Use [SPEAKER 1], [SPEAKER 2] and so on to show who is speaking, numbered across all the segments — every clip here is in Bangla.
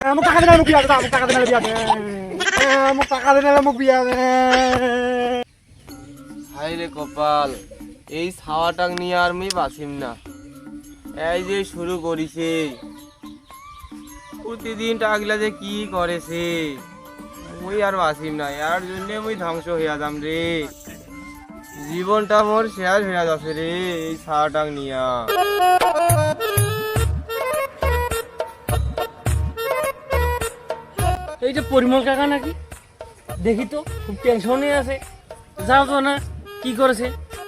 [SPEAKER 1] মোক টাকা দিলে মোক বিয়া দে, মোক টাকা দিলে বিয়া দে, মোক টাকা দিলে মোক বিয়া দে।
[SPEAKER 2] হাই রে কপাল, এই ছাওয়াটাক নিয়ে আর আমি বাঁচিম না। এই যে শুরু করিছে, প্রতিদিন টাকলা যে কি করেছে, মুই আর বাঁচিম না। এর জন্য মুই ধ্বংস হইয়া যাম রে। জীবনটা মোর শেষ হইয়া যাচ্ছে রে এই ছাওয়াটাক নিয়া।
[SPEAKER 3] এই যে পরিমল কাকা নাকি, দেখি তো খুব টেনশনে আছে। যাও তো না, কি করেছে?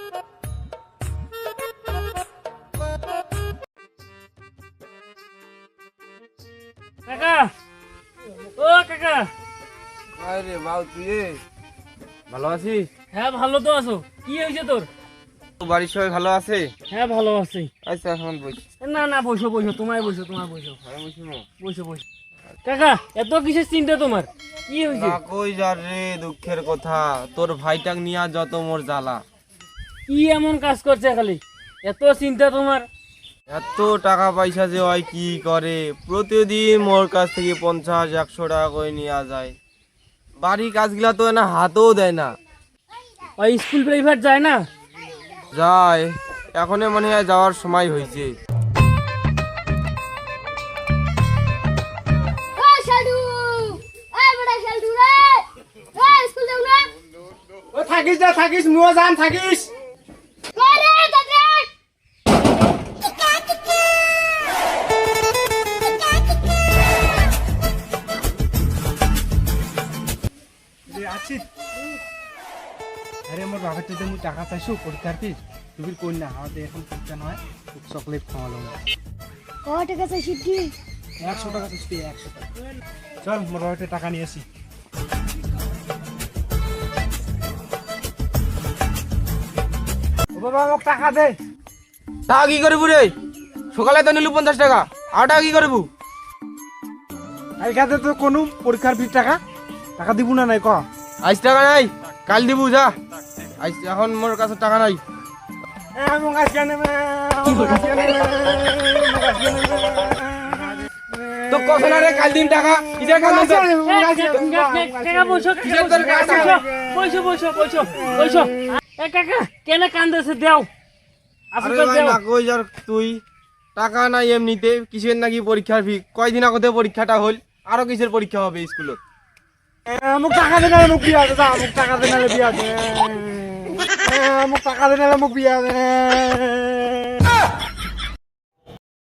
[SPEAKER 3] কাকা, ও কাকা।
[SPEAKER 2] আরে বাউ, তুই ভালো আছিস?
[SPEAKER 3] হ্যাঁ ভালো তো আছো। কি হয়েছে তোর?
[SPEAKER 2] বাড়ির সবাই ভালো আছে?
[SPEAKER 3] হ্যাঁ ভালো আছি।
[SPEAKER 2] আচ্ছা এখন বইস।
[SPEAKER 3] না না, বসো বসো, তোমায় বসো, তোমায় বসো,
[SPEAKER 2] আমি বসিব।
[SPEAKER 3] বসো বসো। কাকা, এত কিসের চিন্তা তোমার? কি হয়েছে?
[SPEAKER 2] না কই যার রে দুঃখের কথা, তোর ভাইটাক নিয়া যত মোর জ্বালা।
[SPEAKER 3] কি এমন কাজ করছে খালি, এত চিন্তা তোমার?
[SPEAKER 2] এত টাকা পয়সা যে হয় কি করে, প্রতিদিন মোর কাছ থেকে 50-100 টাকা করে নিয়ে যায়। বাড়ির কাজগুলা তো না হাতও দেয় না।
[SPEAKER 3] ওই স্কুল প্রাইভেট যায় না?
[SPEAKER 2] যায়, এখনই মনে হয় যাওয়ার সময় হয়েছে।
[SPEAKER 1] ও থাকিস না, থাকিস মুও যাম, থাকিস। আছি। আরে আমার বাবার তো মুই টাকা চাইছো পরীক্ষার ফিস, তুমি কই না আমাদের এখন পরীক্ষা নয়, চকলেট খাওয়ালো।
[SPEAKER 4] কত টাকা চাইছি কি?
[SPEAKER 1] 100 টাকা চাইছি, 100 টাকা। চল মোর বাবাতে টাকা নিয়ে আসি। ও বাবা মোক টাকা দে।
[SPEAKER 2] টাকা কি করবু রে? সকালে তো নিলু 50 টাকা, আর টাকা কি করবু?
[SPEAKER 1] এইখানে তো কোনো পরীক্ষার ফিস টাকা টাকা দিব না নাই ক?
[SPEAKER 2] আজ টাকা নাই, কাল দিবু যা। আজ এখন মোর কাছে টাকা নাই।
[SPEAKER 1] মোক আজকে নেবে, মোক আজকে নেবে, মোক আজকে নেবে।
[SPEAKER 2] তো কত না রে কাল দিন টাকা, ইটা কাল দিন।
[SPEAKER 3] কাকা বসো,
[SPEAKER 2] কিসের তোর কাজ?
[SPEAKER 3] বসো বসো বসো বসো। এ কাকা, কেন কান্দেছে? দেও
[SPEAKER 2] আরে
[SPEAKER 3] আসলে
[SPEAKER 2] ভাই
[SPEAKER 3] দেও।
[SPEAKER 2] না কই যার তুই, টাকা নাই এমনিতে, কিসের নাকি পরীক্ষার ফি? কয়দিন আগতে পরীক্ষাটা হল, আরো কিসের পরীক্ষা হবে স্কুলত?
[SPEAKER 1] মোক টাকা দে, মোক বিয়া দে, মোক টাকা দে, বিয়া দে, মোক টাকা দে, মোক বিয়া দে।